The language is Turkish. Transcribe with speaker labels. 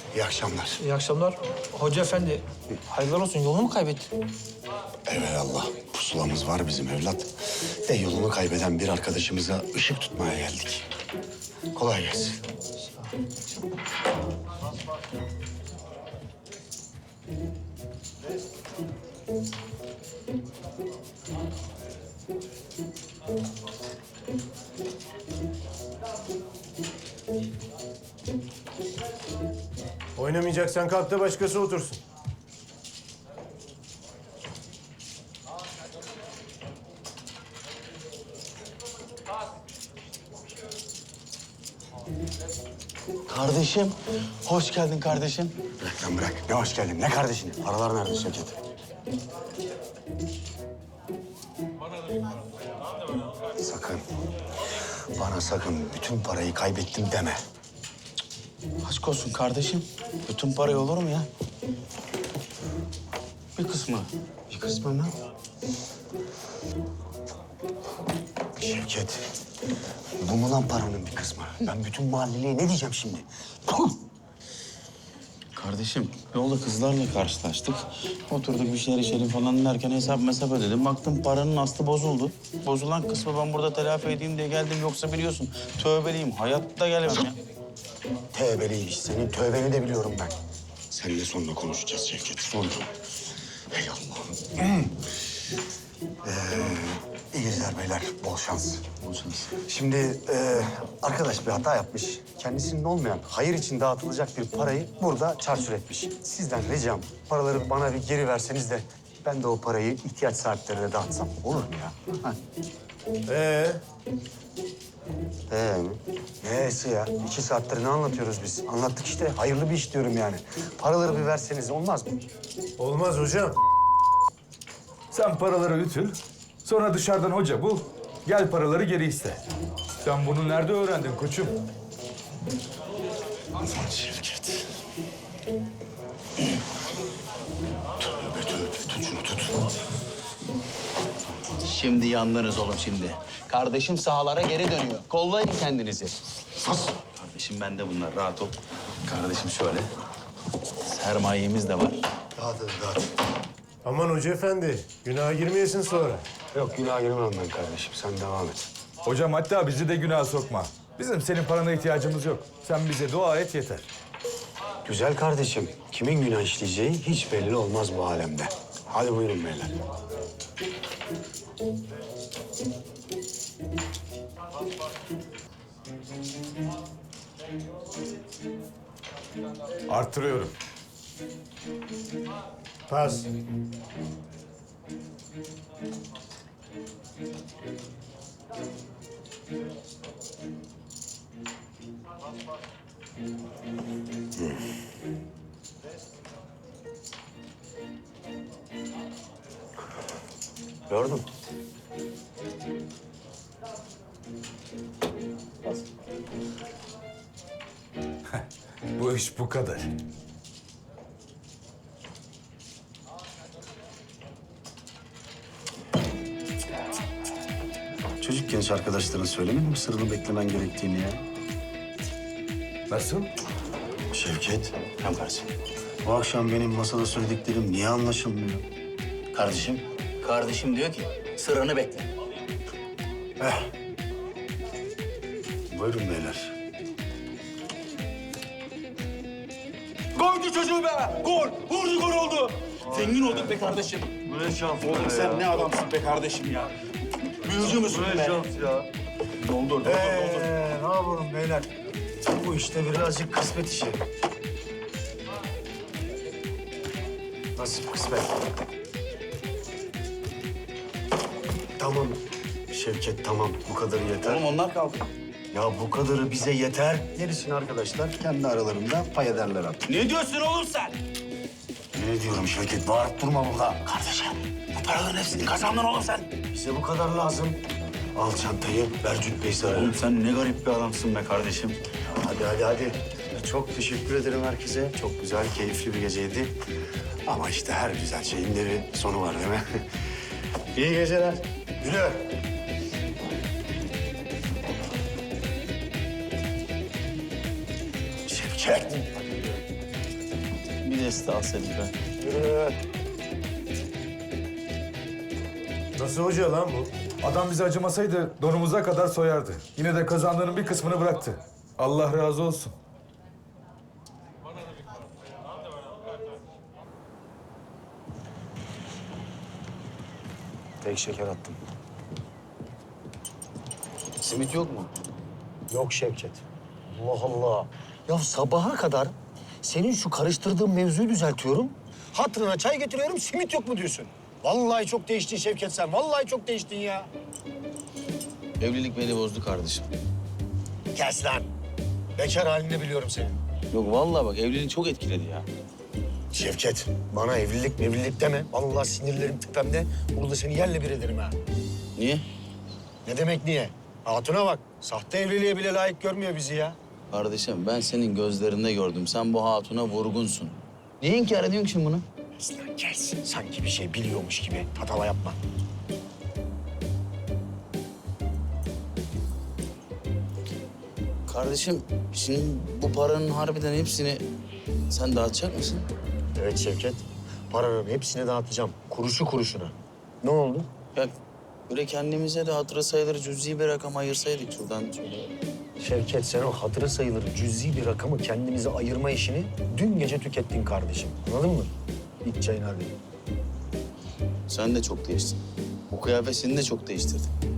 Speaker 1: İyi akşamlar.
Speaker 2: İyi akşamlar. Hoca efendi, hayırlar olsun. Yolunu mu kaybettin?
Speaker 1: Evelallah. Pusulamız var bizim evlat. De yolunu kaybeden bir arkadaşımıza ışık tutmaya geldik. Kolay gelsin.
Speaker 3: Oynamayacaksan kalk da başkası otursun.
Speaker 4: Kardeşim, hoş geldin kardeşim.
Speaker 1: Bırak lan bırak. Ne hoş geldin. Ne kardeşin? Paralar nerede Şevket? Sakın. Bana sakın bütün parayı kaybettim deme.
Speaker 4: Aşk olsun kardeşim. Bütün parayı olur mu ya? Bir kısmı.
Speaker 1: Bir kısmı mı? Şevket. Bu mu lan paranın bir kısmı? Ben bütün mahalleliye ne diyeceğim şimdi? Puh!
Speaker 4: Kardeşim, yolda kızlarla karşılaştık. Oturduk bir şeyler içelim falan derken hesap ödedim. Baktım paranın aslı bozuldu. Bozulan kısmı ben burada telafi edeyim diye geldim. Yoksa biliyorsun tövbeliyim. Hayatta gelemem ya.
Speaker 1: Tövbeliymiş. Senin tövbeni de biliyorum ben. Seninle sonra konuşacağız Şevket. Sonra. Hey Allah'ım. İyi geceler beyler. Bol şans.
Speaker 4: Bol şans.
Speaker 1: Şimdi arkadaş bir hata yapmış. Kendisinin olmayan, hayır için dağıtılacak bir parayı burada çarçur etmiş. Sizden ricam paraları bana bir geri verseniz de ben de o parayı ihtiyaç sahiplerine dağıtsam olur mu ya? Ha. Mi? Neyse ya. 2 saattir ne anlatıyoruz biz? Anlattık işte. Hayırlı bir iş diyorum yani. Paraları bir verseniz olmaz mı?
Speaker 3: Olmaz hocam.
Speaker 5: Sen paraları ütül, sonra dışarıdan hoca bul, gel paraları geri iste. Sen bunu nerede öğrendin koçum?
Speaker 1: Şevket. Tövbe tövbe. Tut şunu tut.
Speaker 4: Şimdi yandınız oğlum şimdi. Kardeşim sahalara geri dönüyor. Kollayın kendinizi.
Speaker 1: Sus.
Speaker 4: Kardeşim bende bunlar, rahat ol. Kardeşim şöyle. Sermayemiz de var.
Speaker 1: Dağıt hadi dağıt.
Speaker 3: Aman hoca efendi, günaha girmeyesin sonra.
Speaker 1: Yok günah girmem ben kardeşim. Sen devam et.
Speaker 5: Hocam hatta bizi de günaha sokma. Bizim senin parana ihtiyacımız yok. Sen bize dua et yeter.
Speaker 1: Güzel kardeşim. Kimin günah işleyeceği hiç belli olmaz bu alemde. Hadi buyurun beyler.
Speaker 5: Arttırıyorum.
Speaker 3: Pas.
Speaker 1: Gördün.
Speaker 5: Bu iş bu kadar.
Speaker 1: Çocukken hiç arkadaşlarına söylemedin mi sırrını beklemen gerektiğini ya?
Speaker 5: Nasıl?
Speaker 1: Şevket. Hem kardeşim. Bu akşam benim masada söylediklerim niye anlaşılmıyor?
Speaker 4: Kardeşim diyor ki sıranı bekle.
Speaker 1: Buyurun beyler.
Speaker 4: Goldü çocuğu be! Gol! Vurdu gol oldu! Zengin olduk be kardeşim. Bu ne şans oğlum sen ne adamsın be kardeşim ya. Büyücü müsün be? Bu ne şans ya. Doldur.
Speaker 1: Ne yapalım beyler? Bu işte birazcık kısmet işi. Nasip kısmet. Tamam Şevket tamam bu kadarı yeter.
Speaker 4: Oğlum onlar kaldı.
Speaker 1: Ya bu kadarı bize yeter. Gerisini arkadaşlar kendi aralarında pay ederler artık.
Speaker 4: Ne diyorsun oğlum sen?
Speaker 1: Ne diyorum Şevket bağırıp durma burada.
Speaker 4: Kardeşim bu paraların hepsini kazandın oğlum sen.
Speaker 1: Bize bu kadar lazım. Al çantayı ver Cübbey'i sarı.
Speaker 4: Oğlum sen ne garip bir adamsın be kardeşim.
Speaker 1: Hadi. Çok teşekkür ederim herkese. Çok güzel, keyifli bir geceydi. Ama işte her güzel şeyin de bir sonu var değil mi? İyi geceler. Yürü. Şevket.
Speaker 4: Estağfurullah.
Speaker 1: Yürü.
Speaker 3: Nasıl hoca lan bu?
Speaker 5: Adam bize acımasaydı donumuza kadar soyardı. Yine de kazandığının bir kısmını bıraktı. Allah razı olsun.
Speaker 1: Tek şeker attım.
Speaker 4: Simit yok mu?
Speaker 6: Yok Şevket. Allah Allah. Ya sabaha kadar senin şu karıştırdığın mevzuyu düzeltiyorum. Hatırına çay getiriyorum, simit yok mu diyorsun? Vallahi çok değiştin Şevket sen. Vallahi çok değiştin ya.
Speaker 4: Evlilik beni bozdu kardeşim.
Speaker 6: Kes lan. Bekar halini biliyorum senin.
Speaker 4: Yok vallahi bak evliliği çok etkiledi ya.
Speaker 6: Şevket, bana evlilik deme. Vallahi sinirlerim tepemde. Burada seni yerle bir ederim ha.
Speaker 4: Niye?
Speaker 6: Ne demek niye? Hatuna bak. Sahte evliliğe bile layık görmüyor bizi ya.
Speaker 4: Kardeşim ben senin gözlerinde gördüm. Sen bu hatuna vurgunsun. Niye inkar ediyorsun ki şimdi bunu?
Speaker 6: Kes lan kes. Sanki bir şey biliyormuş gibi. Tatava yapma.
Speaker 4: Kardeşim şimdi bu paranın harbiden hepsini sen dağıtacak mısın?
Speaker 6: Evet Şevket. Paranın hepsini dağıtacağım. Kuruşu kuruşuna. Ne oldu?
Speaker 4: Ya böyle kendimize de hatırı sayılır cüzi bir rakam ayırsaydık şuradan şöyle.
Speaker 6: Şevket sen o hatırı sayılır cüzi bir rakamı kendimize ayırma işini dün gece tükettin kardeşim. Anladın mı? İç çayını hadi.
Speaker 4: Sen de çok değiştin. Bu kıyafetini de çok değiştirdin.